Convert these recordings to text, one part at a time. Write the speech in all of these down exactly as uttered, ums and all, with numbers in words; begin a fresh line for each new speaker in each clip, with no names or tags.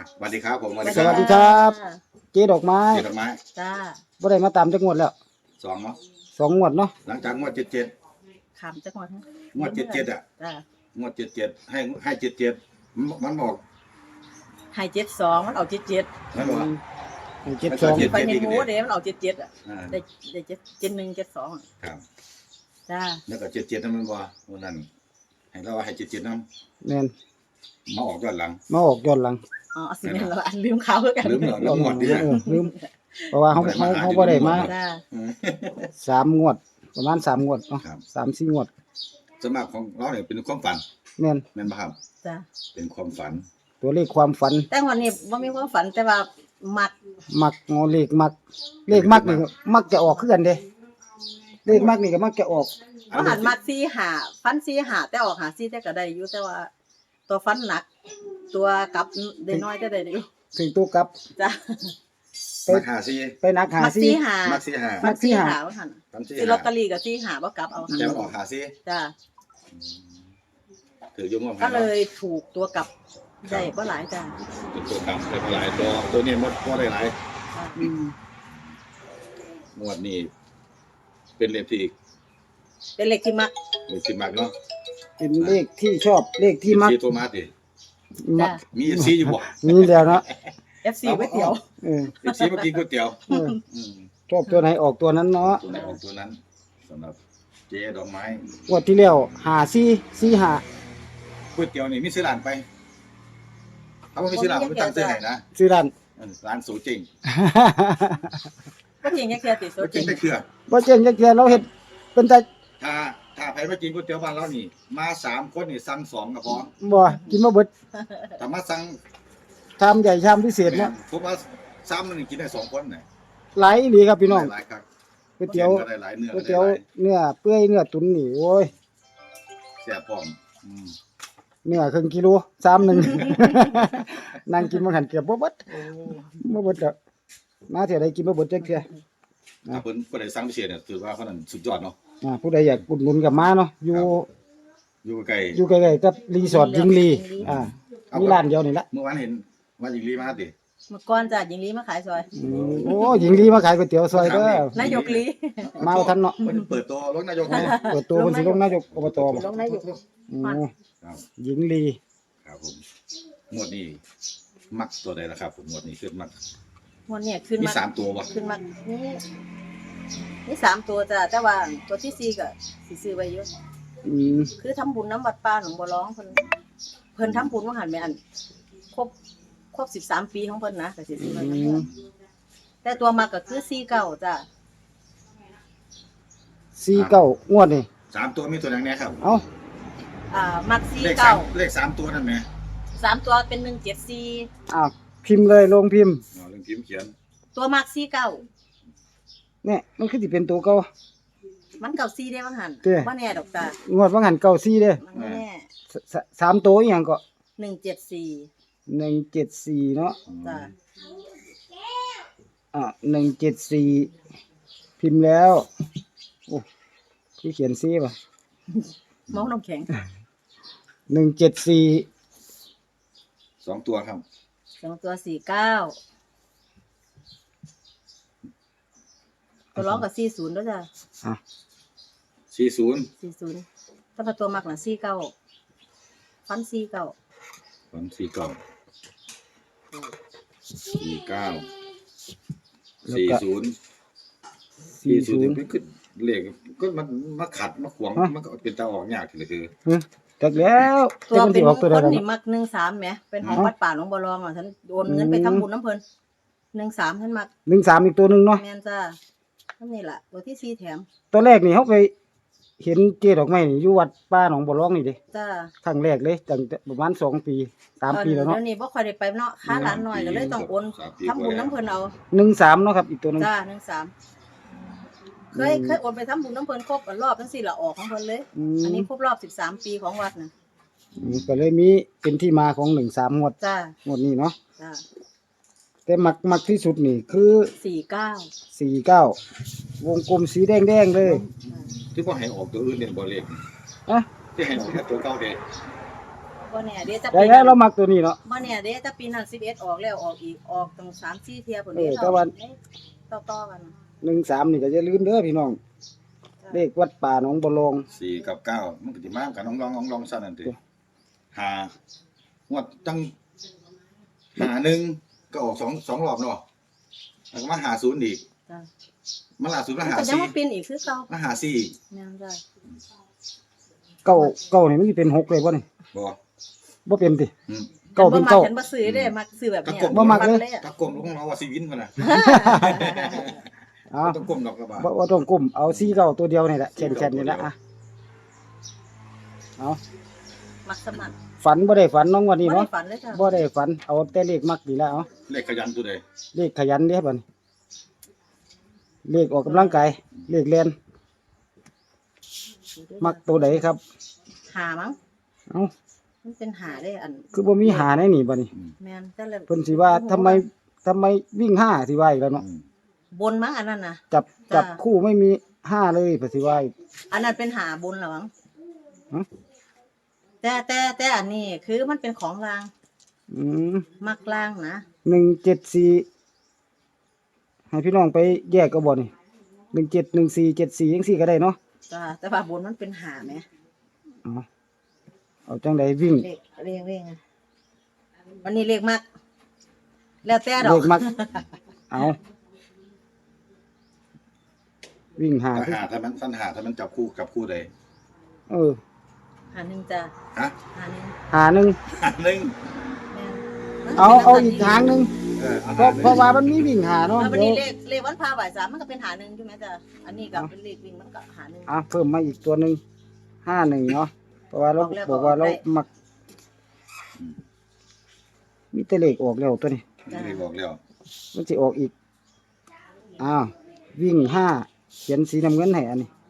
สวัสดีครับผมสวัสดี
สวัสดีครับเจ๊ดอกไม้
เจ็ดดอกไม้
จ้าบ่ได้มาตามจักงวดแล้ว
สองเนาะ
สองงวดเนาะ
หลังจากงวดเจ็ดเจ็ด
ขำจักหน่อยฮะ
งวดเจ็ดเจ็ดอ่ะ
จ้าง
วดเจ็ดเจ็ดให้ให้เจ็ดเจ็ดมันบอก
ให้เจ็ดสองมันเอาเจ็ดเจ็ด
มันบอก
อืมเจ็ดสอง
เจ็ด
ไปในหมูเด้มันเอาเจ็ดเจ็ดอ่ะ
อ่า
ได้ได้เจ็ดเจ็ดหนึ่งเจ็ดสอง
ครับ
จ้า
แล้วก็เจ็ดเจ็ดนั่นมันบอกวันนั้นให้เราว่าให้เจ็ดเจ็ดนั่น
แม่น
มาออกย้อนหลัง
มาออกย้อนหลัง
อ๋อสิแม่นเราอันลืมเขาคือกัน
ลืมเหรอลืมหมดดิ
เออลืมเพราะว่าเขาเขาเขาบ่ได้มา
จ้า
สามงวด ประมาณสามงวดเนาะ
ครับ
สามสี่งวด
สวนมัครของเราเนี่ยเป็นความฝัน
แม่น
แม่นป่ะครับ
จ้า
เป็นความฝัน
ตัวเลขความฝัน
แต่วันนี้ว่ามีความฝันแต่ว่ามัก
มักงอเลขมัก เลขมักนี่มักจะออกคือกันเด้เลขมักนี่ก็มักจะออก
ว่าหันมักซีหาฟันซีหาแต่ออกหาซีแต่ก็ได้อยู่แต่ว่า ตัวฟันหนัก ตัวกลับได้น้อยแต่ได้อยู่
ถึงตัวกลับ
จ้า
ไป
มักหาซี
ไปนักหา
มัก
ซี่
ซีหา
มักซีหา
ฟันซีหาว่าหัน
มักซี
ซื้อลอตเตอรี่กับซีหาบ่กลับเอาหัน
แต่มันออกหาซี
จ้า
ถือยุ่งมาก
ก็เลยถูกตัวกลับได้ก็หลายจ้า
เป็นตัวกำได้หลายตัวตัวนี้มันก็ได้หลาย
อืม
งวดนี้เป็นเลขที่
เป็นเลขที่มัก
เลขที่มักเนาะ
เป็นเลขที่ชอบเลขที่มัก
ซีตัวมาดิ
มัก
มีซีอยู่บ่
มีแล้วเนาะ
เอฟ ซี ก๋วยเตี๋ยว
เออ
เอฟซีมากินก๋วยเตี๋ยว
เออ
อืม
ชอบตัวไหนออกตัวนั้นเนาะ
ตัวไหนออกตัวนั้นสำหรับเจ๊ดอกไม้
งวดที่แล้วหาซี่ซี่หา
ก๋วยเตี๋ยวนี่มีซื้อร้านไปถ้าว่ามีซื้อร้านไม่ตั้งซื้อไหนนะ
ซื้อร้าน
เออร้านสูจริง
ก็จริงแค่แค่ติดโซ
ก็จ
จ
ริ
ริ
ง
ง
ได้เครือ
บ่เจ๊งจักเทื่อเราเฮ็ดเป็นแต่
ถ้าถ้าใครมากินก๋วยเตี๋ยวบ้านเรานี่ มาสามคนนี่สั่งสองก็พอ
บ่กินบ่เบิด
ถ้ามาสั่ง
ชามใหญ่ชามพิเศษ
แม่
เนาะ
นผมว่าซ้ำนึงกินได้สองคนเนี่ย
หลายอีหลีครับพี่น้อง
หลายครับ
ก๋วยเตี๋ยว
ก็ได้หลายเนื้อ
ก๋วย
ก็ได้
เตี๋ยว
หลาย
เนื้อเปื่อยเนื้อตุ๋นนี่โอ้ย
แซ่บพร้อมอืม
เนื้อครึ่งกิโลชามหนึง นั่งกินมาหันเกือบบ่เบิดบ่เบิดดอกมาเที่ยวใดกินบ่เบิดจักเทื่อ
ถ้าเพิ่นผู้ใดสั่งพิเศษเนี่ยถือว่าเขานั้นสุดยอดเนาะ
อ่าผู้ใดอยากอุดหนุนกับมาเนาะอยู่
อยู่ใกล้
อยู่ใกล้ๆกับรีสอร์ทหญิงลีอ่ามีร้านเดียวนี่ละ
เมื่อวานเห็นว่าหญิงลีมาติ
เมื่อก่อนจ้ะหญิงลีมาขายซอย
อืมโอ้หญิงลีมาขายก๋วยเตี๋ยวซอยเด้อน
ายกลี
มาเอาทันเนาะ
เพิ่นเปิดตัวรถนายก
เอ
เลย
อเปิดตัวเพิ่นสิลงนายกอบตบ่
ลงนายก
อืม
ครับ
หญิงลี
ครับผมงวดนี้มักตัวใดล่ะครับผมงวดนี้ขึ้นมัก
วันนี้ขึ้น
มี
มา
สามตัวบ่
ขึ้นมานี่นี่สามตัวจ้ะแต่ว่าตัวที่สี่ก็สิซื้อไว้เยอะ
อืม
คือทำบุญน้ำวัดป่าหนองบัวร้องเพิ่นเพิ่นทำบุญว่าหันแม่อันครบครบสิบสามปีของเพิ่นนะก็สิซื้อไว้
อื
เย
ม
อะแต่ตัวมาก็คือสี่เก้าจ้ะ
สี่เก้างวดนี่
สามตัวมีตัวไหนแน่ครับ
เอ้า
อ่ามักสี่
เลขสา
เก้าม
เลขสามตัวนั่นไหม
สามตัวเป็นหนึ่งเจ็ดสี่
อ้าวพิมพ์เลยลงพิมพ์
อ๋อเรื่องพิมพ์เขียน
ตัวมักสี่เก้า
เนี่ยมันคือสิเป็นตัวเก่า
มันเก่าสี่ได้บ้างหัน
เด้
ว่าแน่ดอกจ้ะ
งวดว่าหันเก่าสี่เด้อ
มันไม่แน่
สสสามตัวอีหยังก็
หนึ่งเจ็ดสี่
หนึ่งเจ็ดสี่เนาะ
จ้ะ
อ่าหนึ่งเจ็ดสี่พิมพ์แล้วโอ้ที่เขียนซีป่ะ
เมาส์น้ำแข็ง
หนึ่งเจ็ดสี่
สองตัวครับ
สองตัวสี่เก้าตัวร้องกับสี่ศูนย์ด้วยจ้ะ
อ่ะ
สี่ศูนย์
สี่ศูนย์ถ้าพอตัวมักน่ะสี่เก้าฟันสี่เก้า
สามสี่เก้าสี่เก้าสี่ศูนย์
สี่
สี่ศู
ศู
น
น
ย์
ย์
มันคือเลขก็มันมาขัดมาขวางมันก็เป็นตาออกยากทีละคือ
ฮะจักแล้ว
ตัว
ที่มัน
เป็
สิ
น
อ
ม
อก
ง
ตัว
ค
ใด
ล
กัน
นี่มักหนึ่งสามไหมเป็นของวัดป่าหลวงบัวรองอ่ะฉันโอนเงินไปทำบุญน้ำเพลินหนึ่งสามฉันมัก
หนึ่งสามอีกตัวหนึ่งเนาะ
แมนจ้านั่นนี่แหละตัวที่สี่แถม
ตัวแรกนี่เขาไปเห็นเจดอกไม้นี่อยู่วัดป้าหนองบัวร้องนี่เดิ
จ้า
ครั้งแรกเลยตั้งแต่ประมาณสองปีสามปีแล้วเนาะ
เดี๋ยวนี้บ่ค่อยได้ไปเนาะค้าร้านหน่อยก็เลยต้องโอนทำบุญน้ำเพลินเอา
หนึ่งสามเนาะครับอีกตัวหนึง
จ้าหนึ่งสามเคยเคยโอนไปทำบุญน้ำเพลินครบรอบทั้งสี่ละออกของเพลินเลย
อื
อัน
ม
นี้ครบรอบสิบสามปีของวัดนะ
อืมก็เลยมีเป็นที่มาของหนึ่งสามงวด
จ้าง
วดนี้เนาะ
จ้า
แต่มักมักที่สุดนี่คือ
สี่เก้า
สี่เก้าวงกลมสีแดงแดงๆเลย
ที่ว่าให้ออกตัวอื่นเนี่ยบ่เลข
อะ
ที่ให้ออกแค่ตัวเก้าเด้
บ
บ่แน่เดี๋ยวจะ
ได้
ปี
แล้วเรามักตัวนี้เนาะ
บ่แน่เดี๋ยวจะปีนั้นสิบเอ็ดออกแล้วออกอีกออกตั้งสามสี่เที่ยพุ่น
เอ
เด้
อแต่ว่า
ต่อๆกัน
หนึ่งสามนี่ก็อย่าลืมเด้อพี่น้องเลขวัดป่าหนองบัวลอง
สี่กับเก้ามันก็สิมากันน้องลองน้องลองซะนั่นติหางวดตั้งหาหนึ่งก็ออกสองสองรอบเนาะแล้วก็มาหาศูนย์อีก
จ้ะ
มาล่าสุดมา
มัน
หา
ก็ยัง
สี่
มาปีนอีกคือเก่า
มาหาสี่
แม่นจ้ะ
เก้าเก้านี่มันสิเป็นหกเลยบ่นี่
บ่
บ่เป็นติ
อืม
เก้าเป็นเก้า
ฉันบ่ซื้อเด้มักซื้อแบบเนี้ย
บ่มักเลย
ตะกลมลูกน้องว่าสิวินพุ่นน่ะ
เอา
ต้องกลมดอกกระบา
บ่บ่ต้องกลุ่มเอาสี่เก้าตัวเดียวนี่แหละแค่นๆนี่แหละอ่ะเอา
มักสมัน
ฝันบ่ได้ฝันน้องวัน
บ่
นี้
ได้
เนาะ
ฝันเลยจ้ะ
บ่ได้ฝันเอาแต่เลขมักนี่แหละเอา
เลขขยันตัวใด
เลขขยันเด้บัดนี้เลขออกกำลังกายเลขเรียนมักตัวใดครับ
หามั้ง
เอ้า
มันเป็นหาได้อัน
คือบ่มีหาในนี่บัดนี้
แม่นแต่ละ
เพิ่นสิว่าทำไมทำไมวิ่งห้าสิว่าอีกแล้วเนาะ
อืม
บนมั้งอันนั้นน่ะ
จับ
จ้ะ
จับคู่ไม่มีห้าเลยเพิ่นสิว่าอีก
อันนั้นเป็นหาบนเหรอมั้ง
ฮะ
แต่แต่แต่อันนี้คือมันเป็นของราง
อืม
มักรางนะ
หนึ่งเจ็ดสี่ให้พี่น้องไปแยกก็บ่นี่หนึ่งเจ็ดหนึ่งสี่เจ็ดสี่ยังสี่ก็ได้เนาะ
จ้ะแต่ว่าบนมันเป็นหาไหม
เอาเอาจังใดวิ่ง
เลขเลขเลขอะวันนี้เลขมัก แล้วแต่ด
เล
อก
ขมัก เอาวิ่งหา
ถ้า
คือ
หาถ้ามันสั้นหาถ้ามันจับคู่กับคู่ใด
เออ
หาหนึ่งจ้ะ
ฮะ
หาหนึ่ง
หาหนึ่ง
หาหนึ่ง
แม่น
เอาเอาอีกทางหนึ่ง
เออเอา
เพราะ
หาหนึ่ง
เพราะว่ามันมีวิ่งหาเนาะ
แล้ววัน
เดี๋ย
นี้
ว
เลขเลขวันพาบ่ายสามมันก็เป็นหาหนึ่งใช่ไหมจ้ะอันนี้กับเป็นเลขวิ่งมันก็หาหนึ่ง
อ่ะเพิ่มมาอีกตัวหนึ่งห้าหนึ่งเนาะเพราะว่าเรา
ออกแล้ว
บอกว่าเรา
ออกได้
มักมีแต่เลขออกแล้วตัวนี้
ไม่ได้บอกแล้ว
มันจะออกอีกอ้าววิ่งห้าเขียนสีน้ำเงินให้อันนี้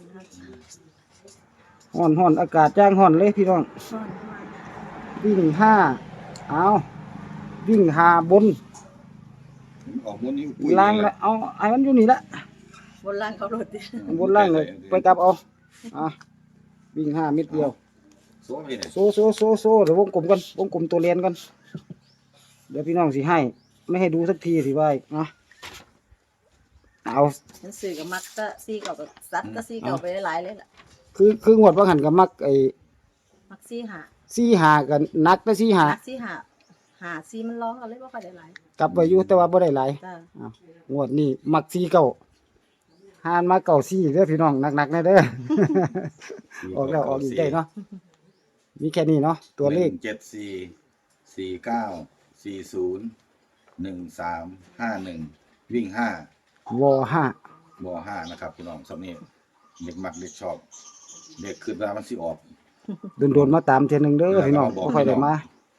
ห้อนห้อนอากาศจ้างห้อนเลยพี่น้องวิ่งห้าเอาวิ่งหาบน
ออกบนนี้ปุ้ย
ล่างละเอาไอ้มันอยู่นี่ละ
บนล่างเขาโหลดดิ
บนล่างเลยไปกลับเอาอ่ะวิ่งห้าเม็ดเดียว
โซ่ไปเนี่ย
โซโซโซโซเดี๋ยววงกลมกันวงกลมตัวเรียนกันเดี๋ยวพี่น้องสิให้ ไม่ให้ดูสักทีสิว่าอีกนะเอา
หนังสือกับมักก็ซีเก่ากับซัดก็ซีเก่าไปหลายๆเลยล่ะ
คือคืองวดว่าหันกับมักไอ้
มักซีหา
ซี่หากันนักแต่ซี่หา
มักซีหาหาซีมันร้องเอาเลยว่าค่อยได้หลาย
กลับไปอยู่แต่ว่าบ่ได้หลาย
จ้ะ
อ้าวงวดนี้มักซี่เก่าหานมาเก่าซี่เด้อพี่น้องหนักๆแน่เด้อ ออกแล้วออกอีกได้เนาะมีแค่นี้เนาะตัวเลข
หนึ่งเจ็ดสี่สี่เก้าสี่ศูนย์หนึ่งสามห้าหนึ่งวิ่งห้าว
ห้า
บอห้านะครับพี่น้องสำเนียงเด็กมักเด็กชอบเด็กขึ้นมามันสิออก
โดนๆมาตามเทียนหนึงเด้อพี่น้องบ่ค่อยได้มา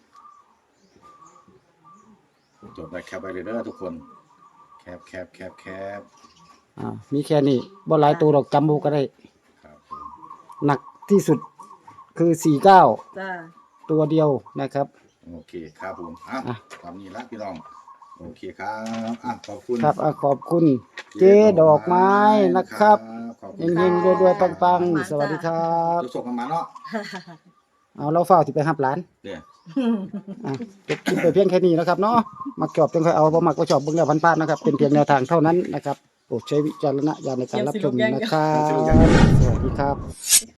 จดได้แคปไปเลยเด้อทุกคนแคปแคปแคปแคป
อ่ามีแค่นี้บ่หลายตัวดอกจำบ่ก็ได้
ครับผม
หนักที่สุดคือสี่เก้า
จ้ะ
ตัวเดียวนะครับ
โอเคครับผมอ่ะ
อ่ะ
ตามนี้ละพี่น้องโอเคครับอ่ะขอบคุณ
ครับอ่ะขอบคุณเจ๊ดอกไม้นะครับ
ขอบคุ
เฮ
ณ
ง
ค
เฮ
รับ
งๆรวยๆปังๆ สวัสดีครับ
ทุกส่งกันมาเนาะ
เอาเราเฝ้าที่ไปหับหลาน
เดี๋ยว
อ่ะจบคลิปไปเพียงแค่นี้นะครับเนาะมักชอบจังค่อยเอาบ่มักก็ชอบเบิ่งแล้วพันๆนะครับ เป็นเพียงแนวทางเท่านั้นนะครับโปรดใช้วิจารณญาณในการรับชมนะครับ สวัสดีครับ